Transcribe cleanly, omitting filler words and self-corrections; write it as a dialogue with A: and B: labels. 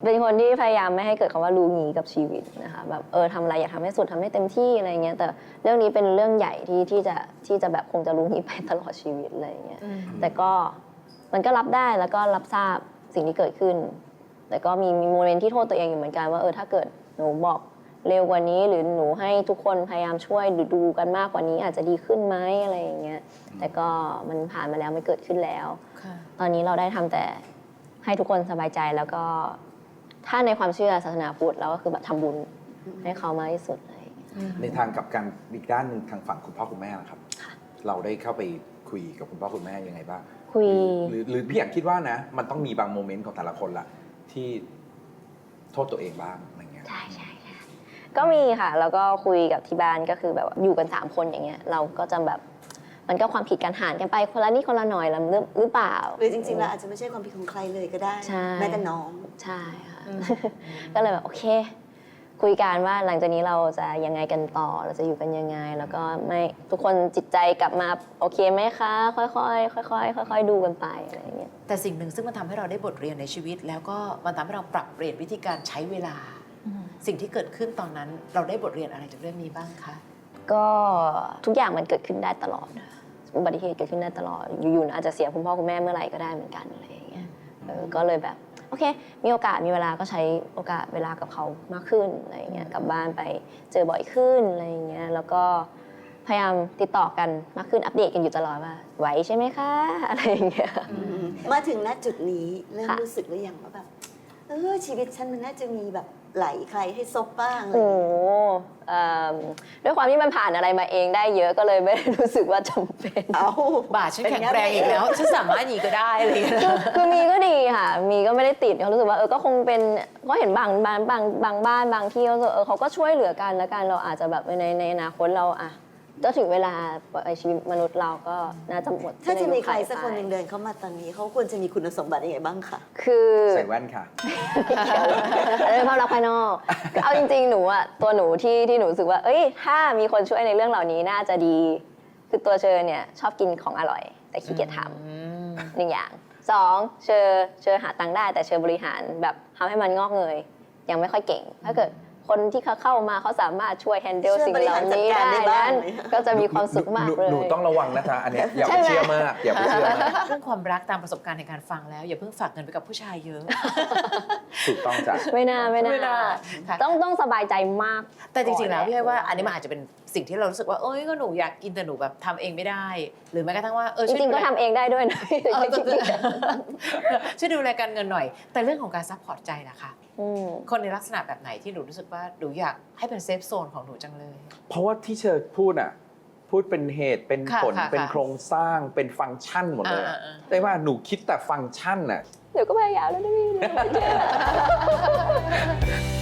A: เป็นคนที่พยายามไม่ให้เกิดคำว่ารู้งี้กับชีวิตนะคะแบบทำอะไรอยากทำให้สุดทำให้เต็มที่อะไรเงี้ยแต่เรื่องนี้เป็นเรื่องใหญ่ที่จะแบบคงจะรู้งี้ไปตลอดชีวิตอะไรเงี้ยแต่ก็มันก็รับได้แล้วก็รับทราบสิ่งที่เกิดขึ้นแต่ก็มีโมเมนต์ที่โทษตัวเองอยู่เหมือนกันว่าถ้าเกิดหนูบอกเร็วกว่านี้หรือหนูให้ทุกคนพยายามช่วยหรือดูกันมากกว่านี้อาจจะดีขึ้นไหมอะไรอย่างเงี้ยแต่ก็มันผ่านมาแล้วมันเกิดขึ้นแล้วตอนนี้เราได้ทำแต่ให้ทุกคนสบายใจแล้วก็ถ้าในความเชื่อศาสนาพุทธเราก็คือแบบทำบุญให้เขามากที่สุดเลย
B: ในทางกับการอีกด้านหนึ่งทางฝั่งคุณพ่อคุณแม่นะครับเราได้เข้าไปคุยกับคุณพ่อคุณแม่ยังไงบ้าง
A: คุย
B: หรือพี่อยากคิดว่านะมันต้องมีบางโมเมนต์ของแต่ละคนละที่โทษตัวเองบ้างอะไรเงี้ย
A: ใช่ก็มีค่ะแล้วก็คุยกับที่บ้านก็คือแบบอยู่กัน3คนอย่างเงี้ยเราก็จะแบบมันก็ความผิดกันหารกันไปคนละนิดคนละหน่อยหรือเปล่า
C: หรือจริงๆแล้วอาจจะไม่ใช่ความผิดของใครเลยก็ได้แม้แต่น้อง
A: ใช่ค่ะก็เลยแบบโอเคคุยกันว่าหลังจากนี้เราจะยังไงกันต่อเราจะอยู่กันยังไงแล้วก็ไม่ทุกคนจิตใจกลับมาโอเคไหมคะค่อยๆดูกันไปอะไรอย่างเงี้ย
D: แต่สิ่งหนึ่งซึ่งมันทำให้เราได้บทเรียนในชีวิตแล้วก็มันทำให้เราปรับเปลี่ยนวิธีการใช้เวลาสิ่งที่เกิดขึ้นตอนนั้นเราได้บทเรียนอะไรจากเรื่องนี้บ้างคะ
A: ก็ทุกอย่างมันเกิดขึ้นได้ตลอดอุบัติเหตุเกิดขึ้นได้ตลอดอยู่ๆอาจจะเสียคุณพ่อคุณแม่เมื่อไหร่ก็ได้เหมือนกันอะไรอย่างเงี้ยก็เลยแบบโอเคมีโอกาสมีเวลาก็ใช้โอกาสเวลากับเขามากขึ้นอะไรอย่างเงี้ยกลับบ้านไปเจอบ่อยขึ้นอะไรอย่างเงี้ยแล้วก็พยายามติดต่อกันมากขึ้นอัปเดตกันอยู่ตลอดว่าไหวใช่ไหมคะอะไรอย่างเงี้ย
C: มาถึงณจุดนี้เริ่มรู้สึกหรือยังว่าแบบชีวิตฉันมันน่าจะมีแบบไหลใครให้ซบบ้าง
A: ด้วยความที่มันผ่านอะไรมาเองได้เยอะก็เลยไม่ได้รู้สึกว่าจำเป็น
D: บาดฉันแข็งแรงอีกแล้วฉันสามารถหนีก็ได้เลย
A: คือมีก็ดีค่ะมีก็ไม่ได้ติดเขารู้สึกว่าก็คงเป็นก็เห็นบางบ้านบางที่เขาก็ช่วยเหลือกันแล้วกันเราอาจจะแบบในอนาคตเราก็ถึงเวลาชีวิตมนุษย์เราก็น่าจะหมด
C: ถ้าจะมีใครสักคนหนึ่งเดินเข้ามาตอนนี้เขาควรจะมีคุณสมบัติยังไงบ้างคะ
A: คือ
B: ใส่แว่นค่ะ
A: เรื่องภาพลักษณ์ภายนอกเอาจริงๆหนูตัวหนูที่หนูรู้สึกว่าถ้ามีคนช่วยในเรื่องเหล่านี้น่าจะดีคือตัวเชอเนี่ยชอบกินของอร่อยแต่ขี้เกียจทำ1 อย่าง2เชอหาตังค์ได้แต่เชอบริหารแบบทำให้มันงอกเงยยังไม่ค่อยเก่งถ้าเกิดคนที่เขาเข้ามาเขาสามารถช่วยแฮนเดิลสิ่งเหล่านี้ได้นั้นก็จะมีความสุขมากเลย
B: หนูต้องระวังนะคะอันนี้อย่าไปเชื่อมากอย่าไปเชื่อมาก
D: เรื่องความรักตามประสบการณ์ในการฟังแล้วอย่าเพิ่งฝากเงินไปกับผู้ชายเยอะ
B: ถูกต้องจ้ะ
A: ไม่น่าต้องสบายใจมาก
D: แต่จริงๆแล้วพี่ให้ว่าอันนี้มันอาจจะเป็นสิ่งที่เรารู้สึกว่าก็หนูอยากกินแต่หนูแบบทำเองไม่ได้หรือแม้กระทั่งว่า
A: จริงๆก็ทำเองได้ด้วยนะ
D: ช่วยดูแลการเงินหน่อยแต่เรื่องของการซัพพอร์ตใจล่ะคะคนในลักษณะแบบไหนที่หนูรู้สึกว่าหนูอยากให้เป็นเซฟโซนของหนูจังเลย
B: เพราะว่าที่เชิญพูดเป็นเหตุเป็นผลเป็นโครงสร้างเป็นฟังก์ชันหมดเลยได้ว่าหนูคิดแต่ฟังก์ชันน่ะ
A: เดี๋ยวก็พยายามแล้วนะพี่